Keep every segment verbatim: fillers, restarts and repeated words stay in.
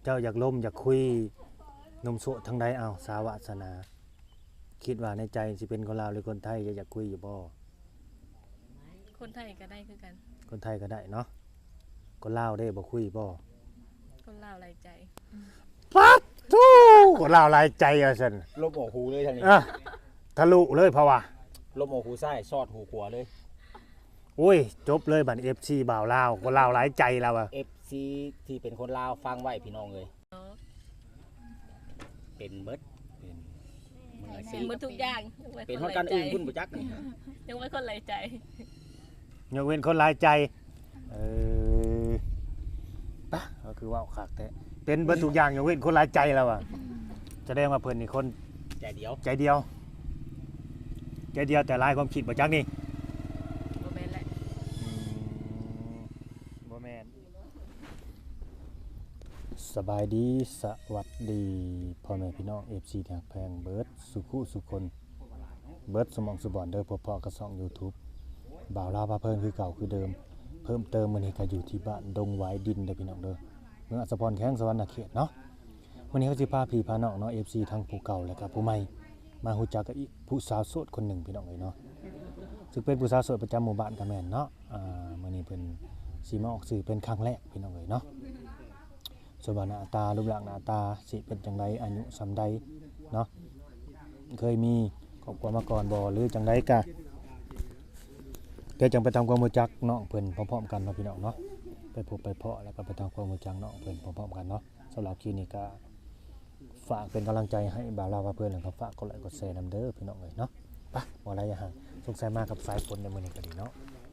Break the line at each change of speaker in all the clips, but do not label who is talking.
เจ้าอยากล้มอยากคุยหนุ่มโสดทางใดเอาสาวาสนาคิดว่าในใจสิเป็นคนลาวหรือคนไทยอยากคุยอยู่บ่
คนไทยก็ได้คือกัน
คนไทยก็ได้เนาะคนลาวได้บ่คุยบ่
คนลาวหลายใจ
ปั๊บทู้คนลาวหลายใจอ่ะซั่น
ลบออกหูเลยทางนี้
อ่ะทะลุเลยเพราะว่า
ลบออกหูซ้ายซอดหูขวาเลย
โอ้ยจบเลยบัด เอฟ ซี บ่าวลาวคนลาวหลายใจแล้วอ่ะ
เอฟ ซี ที่เป็นคนลาวฟังไว้พี่น้องเลยเป็นเบิดเป็น
เป็นหมดทุกอย่าง
เป็นฮอดกันอื่นคุณบ่จักนี่
ยังไม่คนหลายใจ
ยกเว้นคนหลายใจเออปะก็คือว่าคักแท้เป็นเบิดทุกอย่างยกเว้นคนหลายใจแล้วอ่ะแสดงว่าเพิ่นนี่คน
ใจเดียว
ใจเดียวใจเดียวแต่หลายความคิดบ่จักนี่
บ่แม่นแหละ
อืมบ่แม่นสบายดีสวัสดีพ่อแม่พี่น้อง เอฟ ซี ที่รักแพงเบิดสุขุสุคนเบิดสมองสุบอนเด้อพบๆกับช่อง YouTube บ่าวลาวพาเพิ่นคือเก่าคือเดิมเพิ่มเติมมื้อนี้ก็อยู่ที่บ้านดงหวายดินเด้อพี่น้องเด้อเมืองอัศพรแข้งสวรรณเขตเนาะวันนี้เขาสิพาพี่พาน้องเนาะ เอฟ ซี ทั้งผู้เก่าและก็ผู้ใหม่มาฮู้จักกับอีกผู้สาวโสดคนหนึ่งพี่น้องเอ้ยเนาะซึ่งเป็นผู้สาวโสดประจำหมู่บ้านก็แม่นเนาะอ่ามื้อนี้เพิ่นสิมาออกสื่อเป็นครั้งแรกพี่น้องเอ้ยเนาะส่วนหน้าตารูปร่างหน้าตาสิเป็นจังไดอายุสำใดเนาะเคยมีครอบครัวมาก่อนบ่หรือจังไดกะเดี๋ยวจังไปทำความรู้จักน้องเพิ่นพร้อมๆกันเนาะพี่น้องเนาะไปพบไปเพาะแล้วก็ไปทำความรู้จักน้องเพิ่นพร้อมๆกันเนาะสำหรับคลิปนี้ก็ฝากเป็นกำลังใจให้บ่าวลาวว่าเพิ่นแล้วก็ฝากกดไลค์กดแชร์นำเด้อพี่น้องเอ้ยเนาะไปบ่อะไรอย่าห่างสงสัยมากกับสายฝนในมื้อนี้ก็ดีเนาะ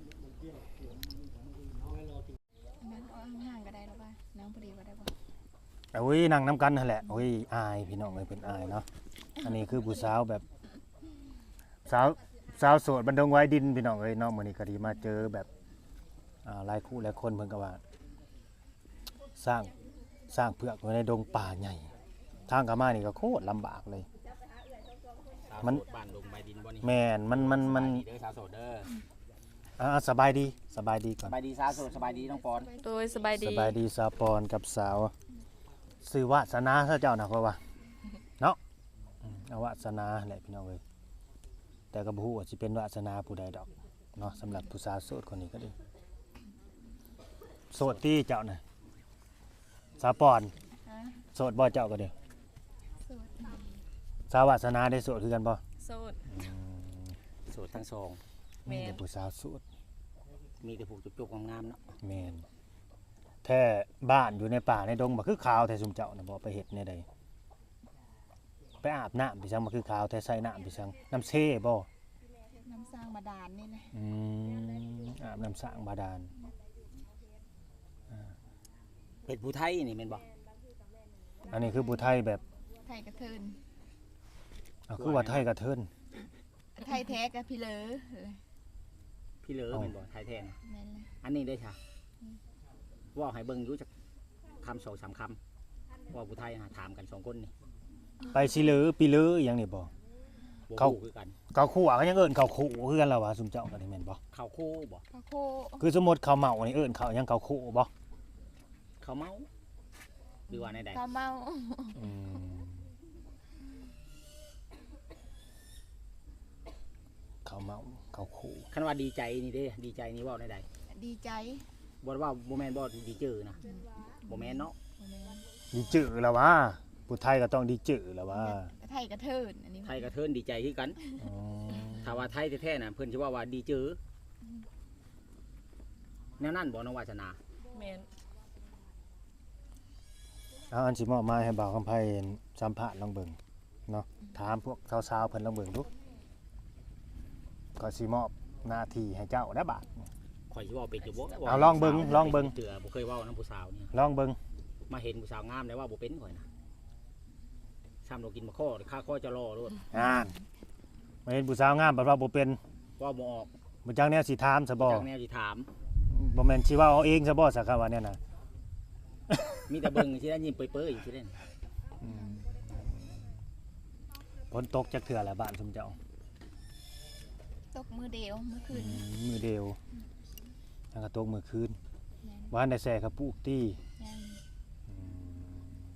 นั่งเอาห่างๆก็ได้หรอป่ะนั่งพอดีก็ได้ป่ะ
โอ้ยนั่งน้ำกันนั่นแหละโอ้ยอายพี่น้องเอ้ยเป็นอายเนาะอันนี้คือผู้สาวแบบสาวสาวโสดบันดงไว้ดินพี่น้องเอ้ยเนาะมื้อนี้ก็ดีมาเจอแบบอ่าหลายคู่หลายคนเพิ่นก็ว่าสร้างสร้างเผือกไว้ในดงป่าใหญ่ทางเข้ามานี่ก็โคตรลำบากเลย
มันบ้านดงใบดินบ่นี่
แม่นมันมันมัน
เด้อสาวโสดเด้อ
อ่าสบายดีสบายดีก่อน
สบายดีสาวโสดสบายดีน้องปอน
โดยสบายดี
สบายดีสาวปอนกับสาวชื่อวาสนาซะเจ้านะเพราะว่าเนาะเอาวาสนาแหละพี่น้องเอ้ยแต่ก็บ่ฮู้ว่าสิเป็นวาสนาผู้ใดดอกเนาะสำหรับผู้สาวโสดคนนี้ก็ดีโสดที่เจ้าน่ะสาวปอนโสดบ่เจ้าก็เด้สาววาสนาได้โสดคือกันบ่
โสด
โสดทั้งสอง
มีแต่ผู้สาวโสด
มีแต่ผู้จุกๆงามๆเนาะ
แม่นแท้บ้านอยู่ในป่าในดงบ่คือขาวแท้ซุมเจ้าน่ะบ่ไปเฮ็ดแนวใดไปอาบน้ำพี่ซังบ่คือขาวแท้ใส่น้ำพี่ซังน้ำเซ่บ่
น้ำสร้างบาดาลนี่นะ
อืมอาบน้ำสร้างบาดาล
เป็นผู้ไทยนี่แม่นบ่
อันนี้คือผู้ไทยแบบ
ไทยกระเทิน
อ่ะคือว่าไทยกระเทิน
ไทยแท้กับพี่เลอ
พี่เลอแม่นบ่ไทยแท้นะ
แม่นเลย
อันนี้ได้ค่ะว่าให้เบิ่งอยู่จักคำสองสามคำว่าผู้ไทยหาถามกันสองคนนี่
ไปสิลือปีลืออหยังนี่บ่
เขาคือกัน
เขาคู่ก็ยังเอิ้นเขาคู่คือกันแล้วว่าซุมเจ้าก็ได้แม่นบ่
เขาคู่บ่
เขาคู่
คือสมมุติเขาเมานี่เอิ้นเขายังเขาคู่บ่
เขาเมาหรือว่าในใด
เขาเมา
อืมเขาเมาเขาคู่
คันว่าดีใจนี่เด้ดีใจนี่เว้าในใด
ดีใจ
บ่ว่าบ่แม่นบ่ดีจื้อนะบ่แม่นเนาะ
ดีจื้อแล้วว่าผู้ไทยก็ต้องดีจื้อแล้วว่า
ไทยกระเทินอันนี้
ไทยกระเทินดีใจคือกันอ๋อถ้าว่าไทยแท้ๆน่ะเพิ่นสิว่าว่าดีจื้อแนวนั้นบ่น้องวาสนา
แม่น
เอาอันสิมอบมาให้บ่าวคำไผสัมภาษณ์ลองเบิ่งเนาะถามพวกสาวๆเพิ่นลองเบิ่งดูก็สิมอบหน้าที่ให้เจ้าได้บาด
ข่อยสิเว้าเป็นอยู่บ่
เอาลองเบิ่งลองเบิ่ง
เตือบ่เคยเว้านำผู้สาวนี่
ลองเบิ่ง
มาเห็นผู้สาวงามได้ว่าบ่เป็นข่อยนะซ้ำเรากินมะข้อค่าข้อจะรอโลด
อ่ามาเห็นผู้สาวงามบัดว่าบ่เป็น
ว่าบ่ออก
บ่จักแนวสิถามซะบ่
บ่จักแนวสิถาม
บ่แม่นสิว่าเอาเองซะบ่สักคำว่าเนี่ยน่ะ
มีแต่เบิ่งสิได้ยิ้มเปื่อยๆสิได้
อืมฝนตกจักเทื่อแล้วบ้านซุมเจ้า
ตกมือเดียวเมื่อคืน
มือเดียวแล้วก็ตกมื้อคืนบ้านได้แซ่กับปลูกตี้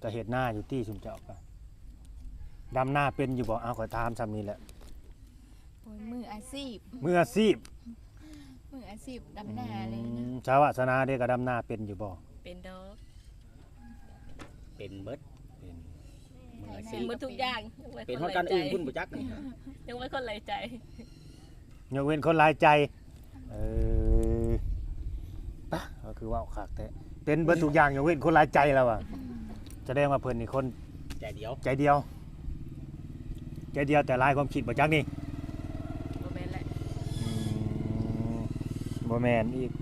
ก็เฮ็ดหน้าอยู่ที่ชุมเจ้าก็ดำหน้าเป็นอยู่บ่เอาขอถามซ้ำนี้แหละ
โอ้ยมืออาชีพ
มืออาชีพ
มืออาชีพดำหน้าเลย
อื
นะ
มชาววาสนาเด้ก็ดำหน้าเป็นอยู่บ่
เป็นดอก
เป็นเบิด
เป็น
มืออา
เป็
ชี
น
พ
หมดทุกอย่างยกว้
เป็น
ค
ฮอด
หล
กัน
ใจ
อื่นพุ่นบ่จักนี่
ยังไว้คนหลายใจ
ยกเว้นคนหลายใจเออปะก็คือว่าคักแท้เป็นเบิดทุกอย่างยกเว้นคนหลายใจแล้วอ่ะแสดงว่าเพิ่นนี่คน
ใจเดียว
ใจเดียว ใจเดียวแต่หลายความคิดบ่จักนี่
บ่แม่นแหละ
อืมบ่แม่นอีก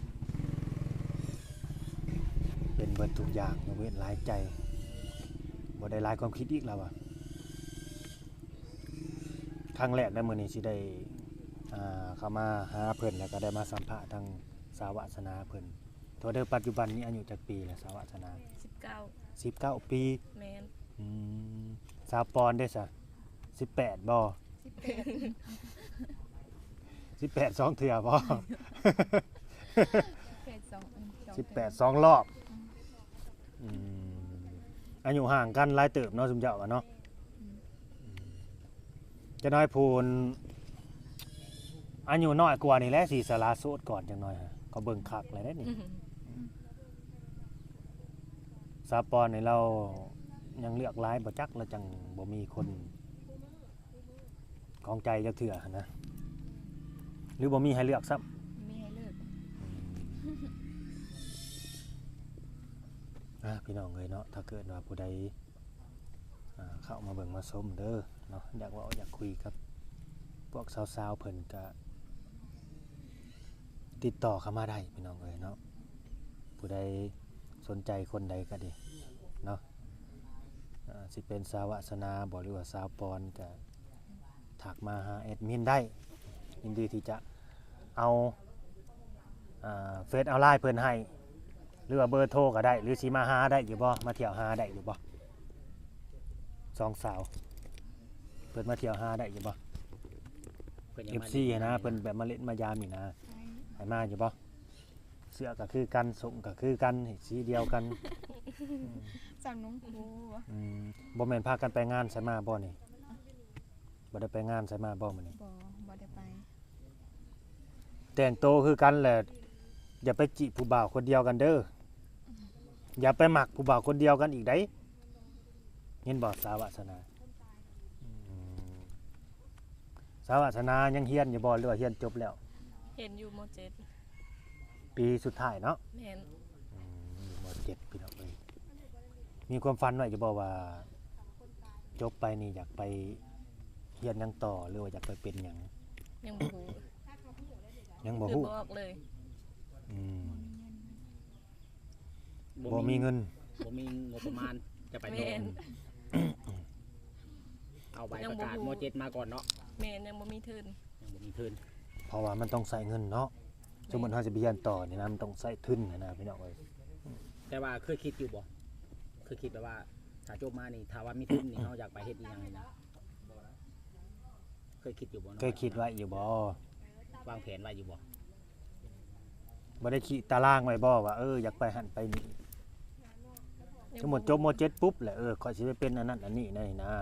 เป็นเบิดทุกอย่างยกเว้นหลายใจบ่ได้หลายความคิดอีกแล้วอ่ะครั้งแรกในมื้อนี้สิได้อ่าเข้ามาหาเพิ่นแล้วก็ได้มาสัมภาษณ์ทางสาวาสนาเพิ่นโทษเด้อปัจจุบันนี้อายุจักปีแล้วสาวาสนา
สิบเก้า
สิบเก้าปี
แม่น
อืมสาวปอนได้ซะสิบแปดบ่
สิบแปด
สิบแปดสองเทื่อบ่
แปดสองอืมสอง
สิบแปดสองรอบอืมอายุห่างกันหลายเติบเนาะซุมเจ้าอะเนาะจะน้อยพูนอายุน้อยกว่านี่แหละสิสละโสดก่อนจังน้อยฮะก็เบิ่งคักเลยได้นี่ สาปอนในเรายังเลือกร้ายบ่จักแล้วจังบ่มีคนของใจจักเถื่อหั้นนะหรือบ่มีให้เลือกซ้ำ
มีให้เลิก
อ่าพี่น้องเอ้ยเนาะถ้าเกิดว่าผู้ใดอ่าเข้ามาเบิ่งมาชมเด้อเนาะอยากเว้าอยากคุยกับพวกสาวๆเพิ่นก็ติดต่อเข้ามาได้พี่น้องเอ้ยเนาะผู้ใดสนใจคนใดก็ดีเนาะอ่าสิเป็นสาวาสนาบ่หรือว่าสาวปอนก็ถักมาหาแอดมินได้ยินดีที่จะเอาอ่าเฟซเอาไลน์เพิ่นให้หรือว่าเบอร์โทรก็ได้หรือสิมาหาได้อยู่บ่มาเที่ยวหาได้อยู่บ่สองสาวเพิ่นมาเที่ยวหาได้อยู่บ่
เพิ่นยัง
เอฟ
มา
ซีนะเพิ่นแบบมาเล่นมายามนี่นะ
ใช่
ให้มาอยู่บ่เสื้อก็คือกันส่งก็คือกันสีเดียวกัน
สาวน้องครูวะ
อืมบ่แม่นพากันไปงานใส่มาบ่นี่บ่ได้ไปงานใส่มาบ่มื้อนี้
บ่บ่ได้ไป
แต่งโตวคือกันแหละอย่าไปจิผู้บ่าวคนเดียวกันเด้ออย่าไปหมักผู้บ่าวคนเดียวกันอีกได้เห็นบ่สาวาสนาอืมสาวาสนายังเฮียนอยู่บ่หรือว่าเฮียนจบแล้ว
เห็นอยู่โมเจ็ด
ปีสุดท้ายเนาะ
แม่น
อืมอยู่มเจ็ดพี่น้องเอ้ยมีความฝันไว้จะบอกว่าจบไปนี่อยากไปเรียนหยังต่อหรือว่าอยากไปเป็นหยัง
ยังบ่ฮู้
ยังบ่
คือ
ฮู้
บ่ออกเลย
อืม
บ่
บ่มีเงิน
บ่มีงบประมาณจะไปโด
แม่น
นเอาใบประกาศม .เจ็ด มาก่อนเนาะ
แม่นยังบ่มีทุน
ยังบ่มีทุน
เพราะว่ามันต้องใส่เงินเนาะสมมุติเฮาจะไปเรียนต่อนี่นะมันต้องใส่ทุนนะนะพี่น้องเอ้ย
แต่ว่าเคยคิดอยู่บ่เคยคิดแบบว่าถ้าจบมานี่ถ้าว่ามีทุนนี่เฮาอยากไปเฮ็ดอีหยังนี่นะเคยคิดอยู่บ่นาะ
เคยคิดไว้อยู่บ่
วางแผนไว้อยู่บ่
บ่ได้คิดตารางไว้บ่ว่าเอออยากไปหั่นไปนี่
ยัง
สมมุติจบมเจ็ดปุ๊บแหละเออข้อยสิไปเป็นอันนั้นอันนี้นะนี่นะ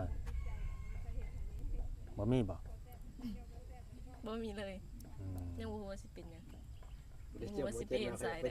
บ่มีบ่
บ่มีเลย
อืม
ยังบ่ฮู้ว่าสิเป็นหยังยังบ่ฮู้ว่าสิไปเฮ็ดสายใด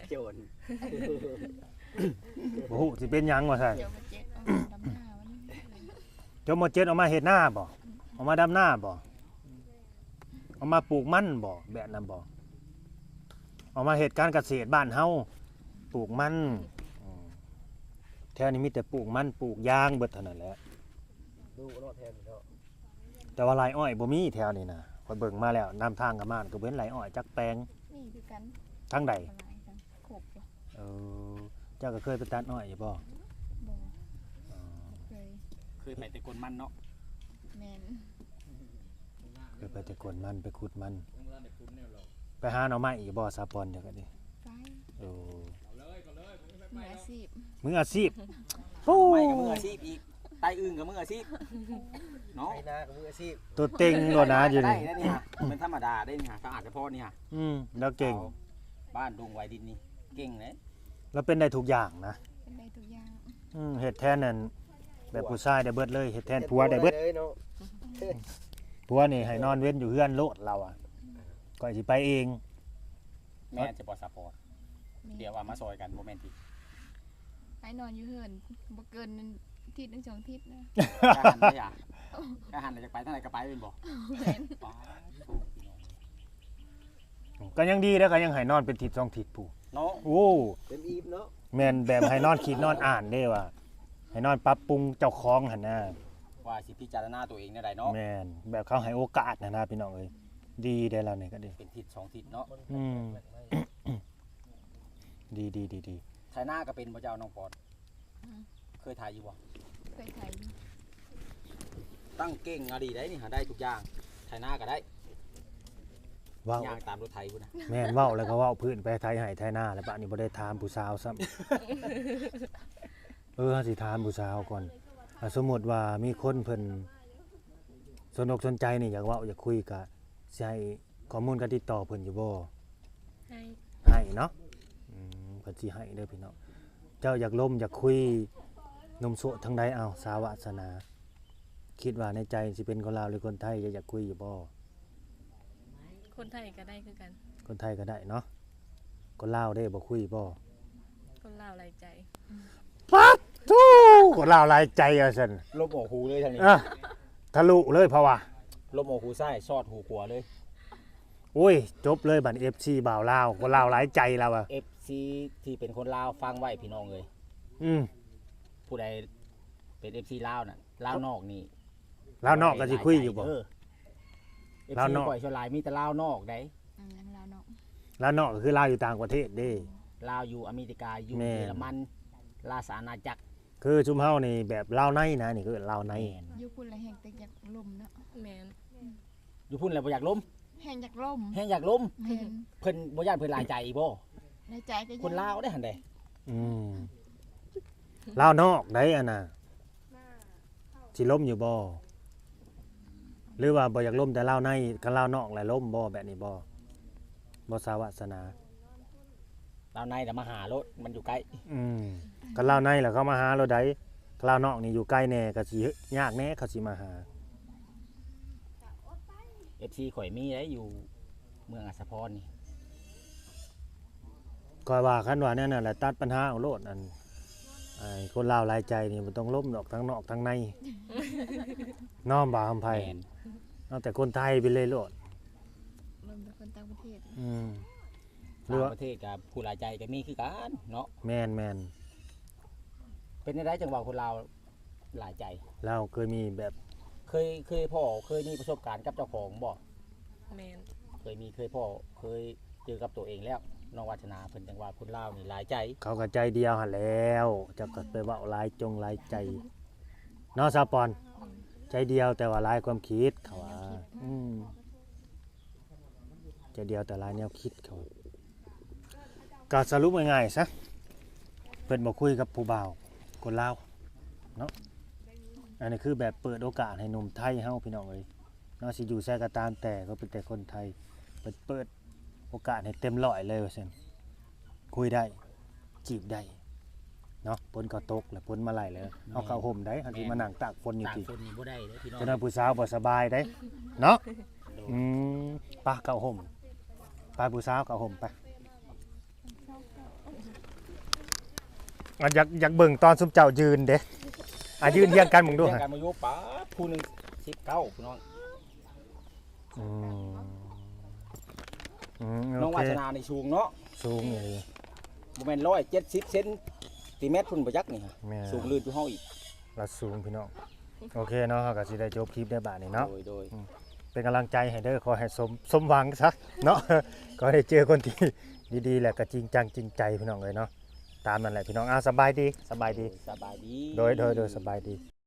บ่ฮู้สิเป็นหยังว่าซั่น
เดี๋ยวมาเจ็ดเอาดำหน้าวันนี้
จบมเจ็ดออกมาเฮ็ดหน้าบ่ออกมาดำหน้าบ่ออกมาปลูกมันบ่แบบนั้นบ่ออกมาเฮ็ดการเกษตรบ้านเฮาปลูกมันอืมแถวนี้มีแต่ปลูกมันปลูกยางเบิดเท่านั้นแหละ
ดูรอดแทนเนาะ
แต่ว่าไรอ้อยบ่มีแถวนี้นะพอยเบิ่งมาแล้วนำทางกับมานก็เว้นไรอ้อยจักแปลง
นี่คือกัน
ทางใด
อะไรกันโขกบ่
เออเจ้าก็เคยไปตัดอ้อยอยู่บ่
บ่
อ๋อ
เคย
เคยไปแต่คนมันเนาะ
แมน
เคยไปแต่กวนมันไปขุดมัน ไปหาหน่อไม้อยู่บ่ซาปอนเดี๋ยวก็ดิ
ไป
เออ
มืออาชีพ
มืออาชีพปู
ไม่กับมืออาชีพอีกไตอื่นกับมืออาชีพเนาะ
ไอ้นากับมืออาชีพ
ตัวเต็งโดนนะอยู่
ได้
นี่
ได้นี่ฮะเป็นธรรมดาได้นี่ฮะสะอาดเฉพาะนี่ฮะ
อืมแล้วเก่ง
บ้านดงไวดินนี่เก่งเลย
แล้วเป็นได้ทุกอย่างนะ
เป็นเป็นได้ทุกอย่าง
อืมเฮ็ดแทนนั่นแบบผู้ชายได้เบิดเลยเฮ็ดแทนผัวได้เบิด
เลยเนาะ
ผัวนี่ให้นอนเว้นอยู่เฮือนโลดเราอ่ะก็สิไปเอง
แม่นจะบ่ซัพพอร์ต
แม่
เดี๋ยวว่ามาซอยกันบ่แม่นติ
ไปนอนอยู่เฮือนบ่เกินอาทิตย์หนึงสองอาทิตย์นะ
กะหันได้อ่ะกะหันจะไปทางไหนก็ไปเป็นบ่
แม่น
ป๊าดโถ่พี่น้อง
ก็ยังดีแล้วก็ยังให้นอนเป็นทิศสองทิศผู้
เนาะ
โอ้
เต็มอีฟเนาะ
แม่นแบบให้นอนคิดนอนอ่านเด้ว่าให้นอนปรับปรุงเจ้าของหั่นน่ะ
ว่าสิพิจารณาตัวเองได้เนาะ
แม่นแบบเขาให้โอกาสนะนะพี่น้องเอ้ยดีได้แล้วนี่ก็ดี
เป็นทิศสองทิศเนาะ
อืม ดีดีดีดี
ถ่ายหน้าก็เป็นบ่เจ้าน้องปอนเคยถ่ายอยู่บ่
เคยถ่ายอยู่
ตั้งเก่งอะดีได้นี่หาได้ทุกอย่างถ่ายหน้าก็ได้
ว้าว
ย่างตามรถไถพุ่นน่ะ
แม่นเว้าแล้วก็เว้าพื้นไปไทยให้ไทยหน้าแล้วปะนี่บ่ได้ถามผู้สาวซ้ำ เออเฮาสิถามผู้สาวก่อนอ่ะสมมุติว่ามีคนเพิ่นสนอกสนใจนี่อยากเว้าอยากคุยก็สิให้ข้อมูลการติดต่อเพิ่นอยู่บ่
ให้
ให้เนาะอืมเพิ่นสิให้เด้อพี่น้องเจ้าอยากล้มอยากคุยหนุ่มโสดทางใดเอาสาวาสนา คิดว่าในใจสิเป็นคนลาวหรือคนไทยอยากคุยอยู่บ่
คนไทยก็ได้คือกัน
คนไทยก็ได้เนาะคนลาวได้บ่คุยบ่
คนลาวหลายใจ
ปัดทูคนลาวหลายใจอ่ะซั่น
ลมออกหูเลยทางนี้
อ่ะทะลุเลยเพราะว่า
ลมออกหูซ้ายชอดหูขวาเลย
โอ้ยจบเลยบัด เอฟ ซี บ่าวลาวคนลาวหลายใจแล้วอ่ะ
เอฟ ซี ที่เป็นคนลาวฟังไว้พี่น้องเลย
อืม
ผู้ใดเป็น เอฟ ซี ลาวน่ะลาวนอกนี่
ลาวนอกก็สิคุยอยู่บ่
เออ
ลา
เอฟ
ว
ซี
นอก
ปล่อยชลายมีแต่ลาวนอกได้
อืมงั้นเราเนาะ
ลาวนอกก็คือลาวอยู่ต่างประเทศเด้
ลาวอยู่อเมริกาอยู่
แม่น
เยอรมันราชอาณาจักร
คือชุมเฮานี่แบบลาวในนะนี่คือลาวใน
แม่น
อยู่พุ่นละแห่งแต่อยากลมเนาะ
แมน
อยู่พุ่นแล้วบ่อยากล้ม
แห่งอยากลม
แฮงอยากล้ม
แม่น
เพิ่นบ่ย่านเพิ่นหลายใจบ่
ในใจก็อยาก
คนลาวได้หั่นเด้
อืมลาวนอกได้อันน่ะสิล้มอยู่บ่หรือว่าบ่อยากล้มแต่ลาวในกับลาวนอกแหละล้มบ่แบบนี้บ่บ่สาวาสนา
ลาวในน่ะมาหารถมันอยู่ใกล้
อืมกับลาวในแหละเขามาหาเราได้กับลาวนอกนี่อยู่ใกล้แน่ก็สิยากแน่เขาสิมาหา
เอฟซีข่อยมีได้อยู่เมืองอัศพรนี่
ก็ว่าคันว่าเนี่ยน่ะแหละตัดปัญหาของโลดอันไอ้คนลาวหลายใจนี่มันต้องล้มดอกทั้งนอกทั้งใน น้อมบ่าวอำไผ
แม่น
เอาแต่คนไทยไปเลยโลด
ลมเป็นคนต่างประเทศ
อืมหรือ
ต่าง
ว่า
ประเทศกับผู้หลายใจก็มีคือกันเนาะ
แม่นแม่น
เป็นได้จังหวะคนลาวหลายใจ
เราเคยมีแบบ
เคยเคยพ่อเคยมีประสบการณ์กับเจ้าของบ่
แมน
เคยมีเคยพ่อเคยเจอกับตัวเองแล้วน้องวัฒนาเพิ่นจังหวะคนลาวนี่หลายใจ
เขาก็ใจเดียวหั่นแล้วจะก็ไปเว้าหลายจงหลายใจเนาะซาปอน ใจเดียวแต่ว่าหลายความคิดเขาว่าอืมใจเดียวแต่หลายแนวคิดเขาก็สรุปง่ายๆซะเพิ่นบ่คุยกับผู้บ่าวคนลาวเนาะอันนี้คือแบบเปิดโอกาสให้หนุ่มไทยเฮาพี่น้องเอ้ยเนาะสิอยู่แซ่ก็ตามแต่ก็เป็นแต่คนไทยเปิดเปิดโอกาสให้เต็มร้อยเลยว่าซั่นคุยได้จีบได้เนาะฝนก็ตกแล้วฝนมาไหลแล้วเอาเข้าห่มได้หันสิมานั่งตากฝนอยู่
ต่าง
ติ
คนนี่บ่ได้เด้อพี่น้อง
จะนอนผู้สาวบ่สบายได้เนาะอืมไปะเก่าห่มไปผู้สาวเก่าห่มไปอ่ะอยากอยากเบิ่งตอนซุมเจ้ายืนเด้อ่ะยืนเรียงกันมึงดู
เรีย
ฮะ
กกันมาอยู่ป๊าดผู้หนึงสิบเก้าพี่น้อง
อืมอืม
น้อง
โอ
วั
เค
ฒนาในสูงเนาะ
สูงเลย
บ่แม่นหนึ่งร้อยเจ็ดสิบเซนติเมตรพุ่นบ่ยักนี่ฮะ
แม่
สูงลื่นอยู่เฮาอีก
เราสูงพี่น้องโอเคเนาะเราก็สิได้จบคลิปได้บาดนี้เนาะ
โดยโดย
เป็นกำลังใจให้เด้อขอให้สมสมหวังซะเนาะ ก็ได้เจอคนที่ดีๆแหละก็จริงจังจริงใจพี่น้องเลยเนาะตามนั่นแหละพี่น้องอ่ะสบายดีสบายดี
สบายดี
โดยโดยโดยสบายดี